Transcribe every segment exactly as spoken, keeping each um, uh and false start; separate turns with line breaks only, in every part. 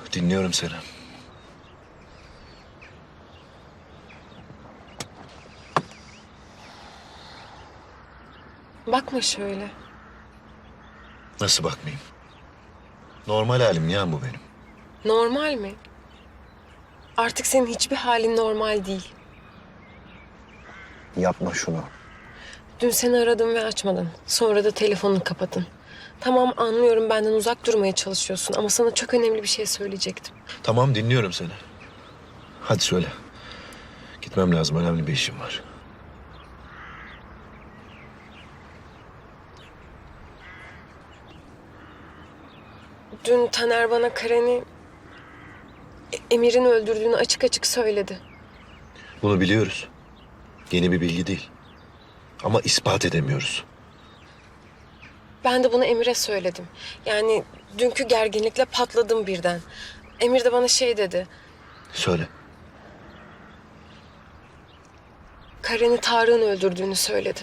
Yok, dinliyorum seni.
Bakma şöyle.
Nasıl bakmayayım? Normal halim ya bu benim.
Normal mi? Artık senin hiçbir halin normal değil.
Yapma şunu.
Dün seni aradım ve açmadın. Sonra da telefonunu kapadın. Tamam, anlıyorum, benden uzak durmaya çalışıyorsun ama sana çok önemli bir şey söyleyecektim.
Tamam, dinliyorum seni. Hadi söyle. Gitmem lazım, önemli bir işim var.
Dün Taner bana Karen'i, E- Emir'in öldürdüğünü açık açık söyledi.
Bunu biliyoruz. Yeni bir bilgi değil. Ama ispat edemiyoruz.
Ben de bunu Emir'e söyledim. Yani dünkü gerginlikle patladım birden. Emir de bana şey dedi.
Söyle.
Karen'i Tarık'ın öldürdüğünü söyledi.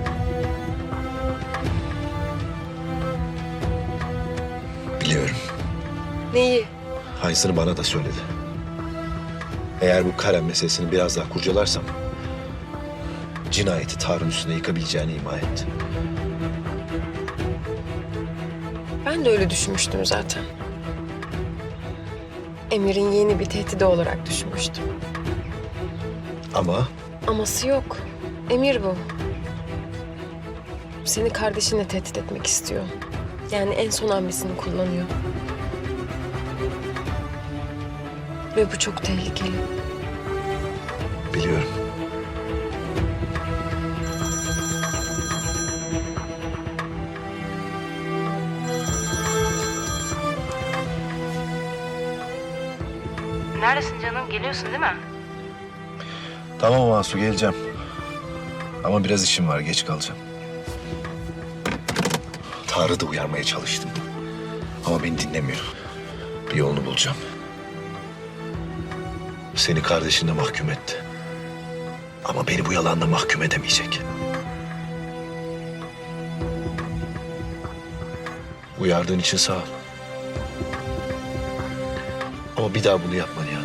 Biliyorum.
Neyi?
Aynısını bana da söyledi. Eğer bu Karen meselesini biraz daha kurcalarsam... cinayeti Tarık'ın üstüne yıkabileceğini ima etti.
Ben de öyle düşünmüştüm zaten. Emir'in yeni bir tehdidi olarak düşünmüştüm.
Ama
Aması yok. Emir bu. Seni kardeşinle tehdit etmek istiyor. Yani en son hamlesini kullanıyor. Ve bu çok tehlikeli.
biliyorum.
Neredesin canım? Geliyorsun değil mi?
Tamam Asu, geleceğim. Ama biraz işim var, geç kalacağım. Tarık'ı da uyarmaya çalıştım. Ama beni dinlemiyor. Bir yolunu bulacağım. Seni kardeşine mahkum etti. Ama beni bu yalanla mahkum edemeyecek. Uyardığın için sağ ol. Ama bir daha bunu yapma Nihan.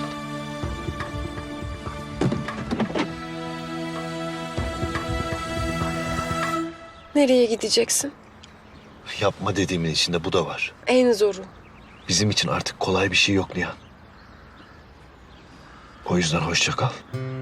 Nereye gideceksin?
Yapma dediğimin içinde bu da var.
En zoru.
Bizim için artık kolay bir şey yok Nihan. O yüzden hoşça kal.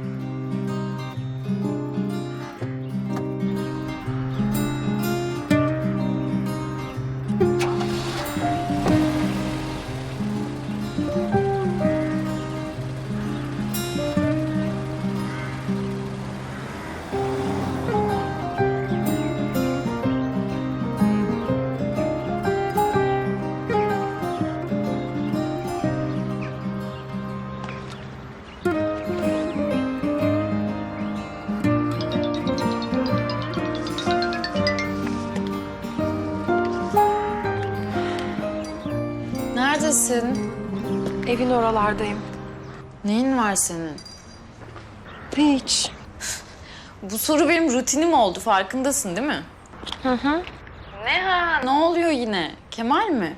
Neredesin?
Evin oralardayım.
Neyin var senin?
Hiç.
Bu soru benim rutinim oldu, farkındasın değil mi?
Hı hı.
Ne ha? Ne oluyor yine? Kemal mi?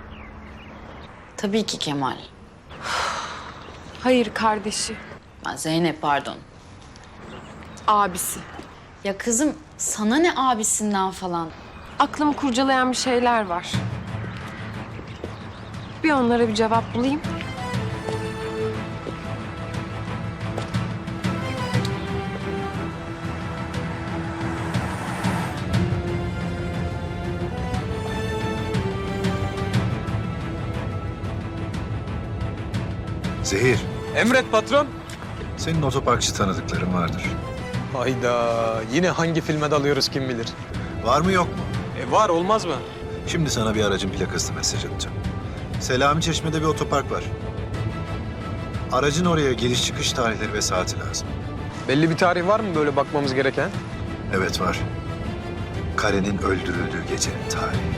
Tabii ki Kemal.
Hayır, kardeşi.
Ha, Zeynep pardon.
Abisi.
Ya kızım sana ne abisinden falan?
Aklımı kurcalayan bir şeyler var. Bir onlara bir cevap bulayım.
Zehir,
Emret patron.
senin otoparkçı tanıdıkların vardır.
Hayda, yine hangi filme dalıyoruz kim bilir.
Var mı yok mu?
E var, olmaz mı?
Şimdi sana bir aracın plakasını mesaj atacağım. Selami Çeşme'de bir otopark var. Aracın oraya giriş çıkış tarihleri ve saati lazım.
Belli bir tarih var mı böyle bakmamız gereken?
Evet var. Karen'in öldürüldüğü gecenin tarihi.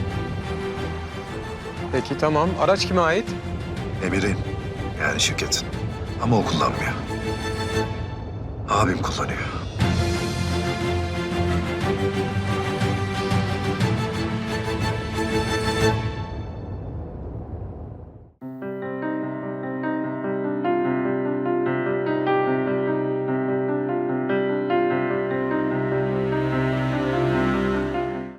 Peki tamam, araç kime ait?
Emir'in, yani şirketin. Ama o kullanmıyor. Abim kullanıyor.